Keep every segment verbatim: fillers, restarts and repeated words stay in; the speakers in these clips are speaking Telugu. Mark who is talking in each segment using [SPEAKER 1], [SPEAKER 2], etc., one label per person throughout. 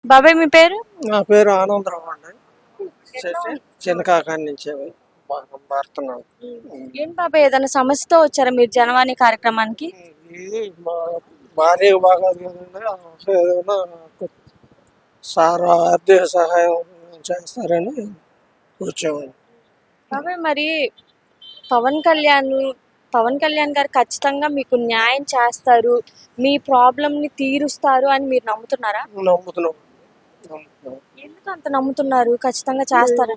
[SPEAKER 1] బాబాయ్ మీ పేరు?
[SPEAKER 2] నా పేరు ఆనందరావు అండి. చిన్న కాకాని నుంచి మారుతున్నాను.
[SPEAKER 1] ఏం బాబాయ్ ఏదైనా సమస్యతో వచ్చారా మీరు జనవాణి కార్యక్రమానికి?
[SPEAKER 2] ఇది మా భార్య బాగా ఏదైనా సార్ ఆర్థిక సహాయం చేస్తారని వచ్చామండి.
[SPEAKER 1] బాబాయ్ మరి పవన్ కళ్యాణ్ పవన్ కళ్యాణ్ గారు ఖచ్చితంగా మీకు న్యాయం చేస్తారు, మీ ప్రాబ్లం ని తీరుస్తారు అని మీరు నమ్ముతున్నారా?
[SPEAKER 2] నమ్ముతున్నాం.
[SPEAKER 1] ఎందుకు అంత నమ్ముతున్నారు? ఖచ్చితంగా చేస్తారు.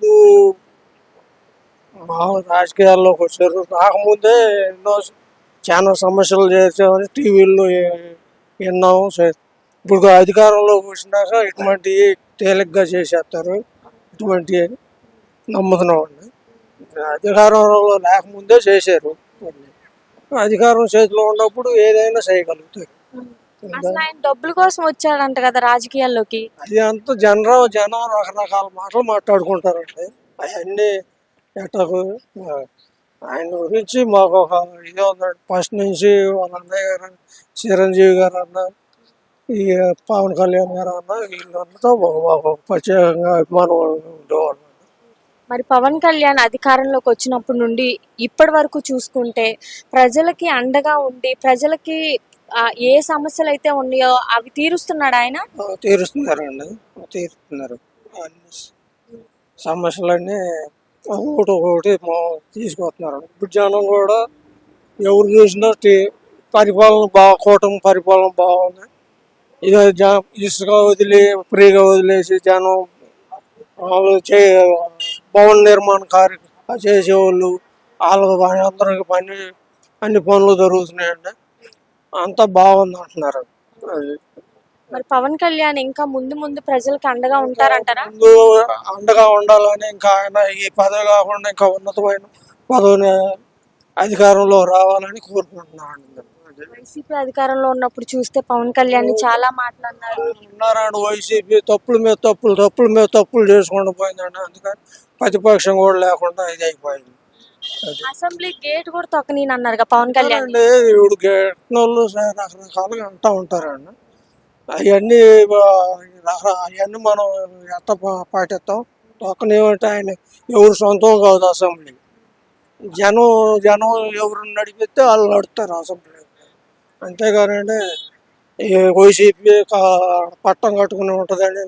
[SPEAKER 2] మా రాజకీయాల్లోకి వచ్చారు, రాకముందే ఎన్నో చాలా సమస్యలు చేసామని టీవీల్లో విన్నాము. ఇప్పుడు అధికారంలోకి వచ్చినాక ఇటువంటి తేలిగ్గా చేసేస్తారు, ఇటువంటి నమ్ముతున్నాం అండి. అధికారంలో లేకముందే చేశారు, అధికారం చేతిలో ఉన్నప్పుడు ఏదైనా చేయగలుగుతారు.
[SPEAKER 1] అసలు ఆయన డబ్బుల కోసం వచ్చాడంట కదా రాజకీయాల్లోకి.
[SPEAKER 2] అది అంతా జనరం జనం రకరకాల మాటలు మాట్లాడుకుంటారండి. అవన్నీ ఎట్టకు ఆయన గురించి మాకు ఒక ఇది ఉందండి. ఫస్ట్ నుంచి వాళ్ళ అన్నయ్య గారు చిరంజీవి గారు అన్న, ఈ పవన్ కళ్యాణ్ గారు అన్న, వీళ్ళంతా మాకు ప్రత్యేకంగా అభిమానం ఉండేవాళ్ళు.
[SPEAKER 1] మరి పవన్ కళ్యాణ్ అధికారంలోకి వచ్చినప్పటి నుండి ఇప్పటి వరకు చూసుకుంటే ప్రజలకి అండగా ఉండి ప్రజలకి ఏ సమస్యలు అయితే ఉన్నాయో అవి తీరుస్తున్నాడు ఆయన.
[SPEAKER 2] తీరుస్తున్నారండి, తీరుస్తున్నారు. అన్ని సమస్యలన్నీ ఒకటి ఒకటి తీసుకొస్తున్నారు. ఇప్పుడు జనం కూడా ఎవరు చూసినా పరిపాలన బాగా, కూటమి పరిపాలన బాగుంది. ఇక జ ఇసుక వదిలి ఫ్రీగా వదిలేసి జనం వాళ్ళు చే భవన నిర్మాణ కార్య చేసేవాళ్ళు వాళ్ళకి అందరికి పని అన్ని పనులు జరుగుతున్నాయండి. అంతా బాగుంది అంటున్నారు.
[SPEAKER 1] మరి పవన్ కళ్యాణ్ ఇంకా ముందు ముందు ప్రజలకు అండగా ఉంటారంటారా?
[SPEAKER 2] ముందు అండగా ఉండాలని, ఇంకా ఆయన ఈ పదవి కాకుండా ఇంకా ఉన్నతమైన పదవిని అధికారంలో రావాలని కోరుకుంటున్నాను.
[SPEAKER 1] వైసీపీ అధికారంలో ఉన్నప్పుడు చూస్తే పవన్ కళ్యాణ్ చాలా మాట్లాడినారు.
[SPEAKER 2] ఉన్నారండి వైసీపీ తప్పుల మీద తప్పులు తప్పుల మీద తప్పులు చేసుకుంటూ పోయిందండి. అందుకని ప్రతిపక్షం కూడా లేకుండా ఇది అయిపోయింది.
[SPEAKER 1] అసెంబ్లీ గేట్ కూడా తొక్కని అన్నారు పవన్ కళ్యాణ్.
[SPEAKER 2] ఇప్పుడు గేట్ వాళ్ళు రకరకాలుగా అంటూ ఉంటారండి. అవన్నీ అవన్నీ మనం ఎంత పాటిస్తాం. తొక్కనేమంటే ఆయన ఎవరు సొంతం కాదు అసెంబ్లీ. జనం జనం ఎవరు నడిపిస్తే వాళ్ళు నడుస్తారు అసెంబ్లీ. అంతేగానండి ఈ వైసీపీ పట్టం కట్టుకుని ఉంటుందని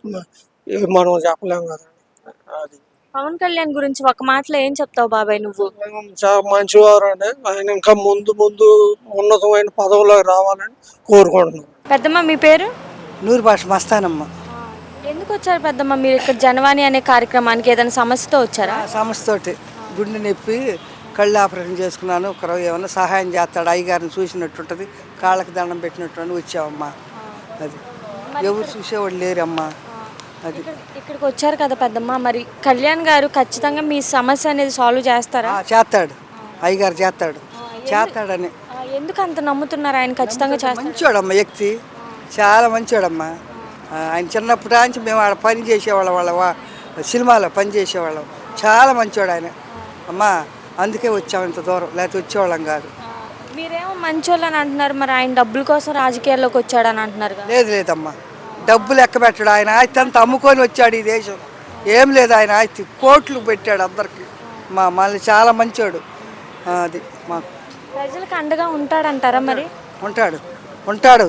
[SPEAKER 2] మనం చెప్పలేం కదండి. అది
[SPEAKER 1] పవన్ కళ్యాణ్ గురించి ఒక మాటలో ఏం చెప్తావు బాబాయ్ నువ్వు?
[SPEAKER 2] చాలా మంచివారు అండి. ఆయన ఇంకా ముందు ముందు ఉన్నతమైన పదవులకు రావాలని కోరుకుంటున్నాం.
[SPEAKER 1] పెద్దమ్మ మీ పేరు?
[SPEAKER 3] నూరు భాష మస్తానమ్మ.
[SPEAKER 1] ఎందుకు వచ్చారు పెద్దమ్మ మీరు ఇక్కడ జనవాణి అనే కార్యక్రమానికి? ఏదైనా సమస్యతో వచ్చారా?
[SPEAKER 3] సమస్యతోటి గుండె నొప్పి, కళ్ళు ఆపరేషన్ చేసుకున్నాను. ఒకరు ఏమన్నా సహాయం చేస్తాడు, అయ్యగారిని చూసినట్టుంటుంది, కాళ్ళకి దండం పెట్టినట్టు వచ్చావమ్మా. అది ఎవరు చూసేవాళ్ళు లేరమ్మా. అది
[SPEAKER 1] ఇక్కడికి వచ్చారు కదా పెద్దమ్మ, మరి కళ్యాణ్ గారు ఖచ్చితంగా మీ సమస్య అనేది సాల్వ్ చేస్తారా?
[SPEAKER 3] చేస్తాడు, అయ్యగారు చేస్తాడు చేస్తాడని.
[SPEAKER 1] ఎందుకు అంత నమ్ముతున్నారు ఆయన ఖచ్చితంగా చేస్తాడు?
[SPEAKER 3] మంచోడమ్మా, వ్యక్తి చాలా మంచోడమ్మా. ఆయన చిన్నప్పటి నుంచి మేము ఆడ పని చేసేవాళ్ళం, వాళ్ళ సినిమాలో పని చేసేవాళ్ళం. చాలా మంచోడు ఆయన అమ్మా. అందుకే వచ్చాము ఇంత దూరం, లేకపోతే వచ్చేవాళ్ళం కాదు.
[SPEAKER 1] మీరేమో మంచోళ్ళు అని అంటున్నారు, మరి ఆయన డబ్బుల కోసం రాజకీయాల్లోకి వచ్చాడని అంటున్నారు.
[SPEAKER 3] లేదు లేదమ్మా, డబ్బులు లెక్క పెట్టాడు. ఆయన ఆస్తి అంతా అమ్ముకొని వచ్చాడు ఈ దేశం. ఏం లేదు, ఆయన ఆస్తి కోట్లు పెట్టాడు అందరికి. మా మళ్ళీ చాలా మంచోడు. అది మాకు
[SPEAKER 1] ప్రజలకు అండగా ఉంటాడంటారా? మరి
[SPEAKER 3] ఉంటాడు ఉంటాడు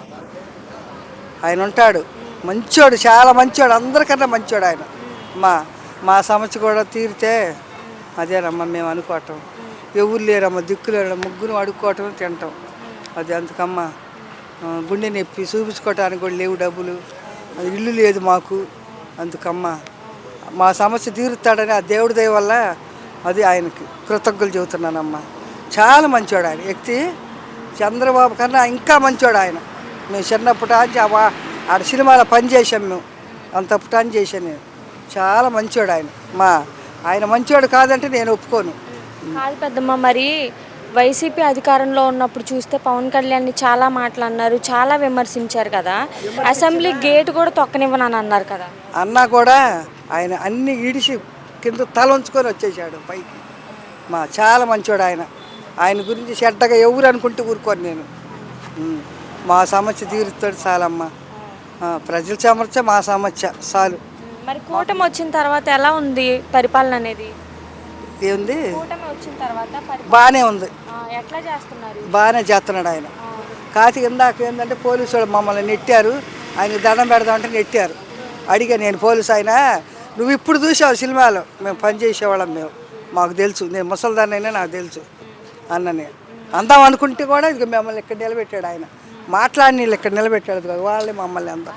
[SPEAKER 3] ఆయన ఉంటాడు. మంచోడు, చాలా మంచోడు, అందరికన్నా మంచోడు ఆయన. మా మా సమస్య కూడా తీరితే అదేనమ్మా మేము అనుకోవటం. ఎవరు లేరమ్మా, దిక్కు లేరమ్మా, ముగ్గురు అడుక్కోవటం తింటాం. అది అందుకమ్మా. గుండె నొప్పి చూపించుకోవటానికి కూడా లేవు డబ్బులు, అది ఇల్లు లేదు మాకు. అందుకమ్మా మా సమస్య తీరుతాడని ఆ దేవుడి దయ వల్ల అది ఆయనకి కృతజ్ఞతలు చెబుతున్నానమ్మా. చాలా మంచోడు ఆయన వ్యక్తి. చంద్రబాబు కన్నా ఇంకా మంచోడు ఆయన. మేము చిన్నప్పటి నుంచి ఆడ సినిమాలో పని చేసాం మేము, అంతప్పటి నుంచి చేశాను నేను. చాలా మంచోడు ఆయన. మా ఆయన మంచోడు కాదంటే నేను ఒప్పుకోను.
[SPEAKER 1] కాదు పెద్దమ్మ, మరి వైసీపీ అధికారంలో ఉన్నప్పుడు చూస్తే పవన్ కళ్యాణ్ని చాలా మాట్లాడినారు, చాలా విమర్శించారు కదా. అసెంబ్లీ గేట్ కూడా తొక్కనివ్వనని అన్నారు కదా.
[SPEAKER 3] అన్నా కూడా ఆయన అన్ని ఈడిసి కింద తల ఉంచుకొని వచ్చేసాడు పైకి. మా చాలా మంచోడు ఆయన. ఆయన గురించి చెడ్డగా ఎవరు అనుకుంటే ఊరుకోను నేను. మా సమస్య తీరుతాడు చాలమ్మా. ఆ, ప్రజల సమస్య మా సమస్య చాలు.
[SPEAKER 1] మరి కూటమి వచ్చిన తర్వాత ఎలా ఉంది పరిపాలన అనేది?
[SPEAKER 3] ఏంది
[SPEAKER 1] కూటమి వచ్చిన తర్వాత పరిపాలన
[SPEAKER 3] బాగానే ఉంది,
[SPEAKER 1] ఆ, ఎట్లా చేస్తున్నారు?
[SPEAKER 3] బాగానే చేస్తున్నాడు ఆయన.
[SPEAKER 1] ఆ,
[SPEAKER 3] కాకి ఇందాక ఏంటంటే పోలీసు వాళ్ళు మమ్మల్ని నెట్టారు, ఆయన దండం పెడదామంటే నెట్టారు. అడిగా నేను పోలీసు ఆయన, నువ్వు ఇప్పుడు చూసావు సినిమాలో, మేము పని చేసేవాళ్ళం, మేము మాకు తెలుసు, నేను ముసలిదాన్నైనా నాకు తెలుసు అన్న. నేను అందాం అనుకుంటే కూడా ఇక మిమ్మల్ని ఇక్కడ నిలబెట్టాడు ఆయన, మాట్లాడి వీళ్ళు ఇక్కడ నిలబెట్టాడు కదా, వాళ్ళే మమ్మల్ని అందా.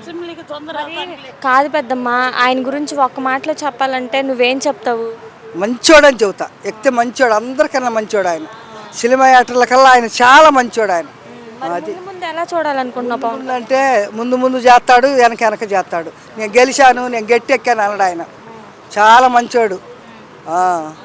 [SPEAKER 1] కాదు పెద్దమ్మ, ఆయన గురించి ఒక్క మాటలో చెప్పాలంటే నువ్వేం చెప్తావు?
[SPEAKER 3] మంచోడని చెబుతా, ఎక్కితే మంచోడు, అందరికన్నా మంచోడు ఆయన. సినిమా యాక్టర్ల కల్లా ఆయన చాలా మంచోడు ఆయన.
[SPEAKER 1] మరి ముందు ముందు ఎలా చూడాలనుకుంటున్నావు పవన్?
[SPEAKER 3] ముందు అంటే ముందు ముందు చేస్తాడు, వెనక వెనక చేస్తాడు. నేను గెలిచాను, నేను గట్టి ఎక్కాను అన్నాడు ఆయన. చాలా మంచోడు.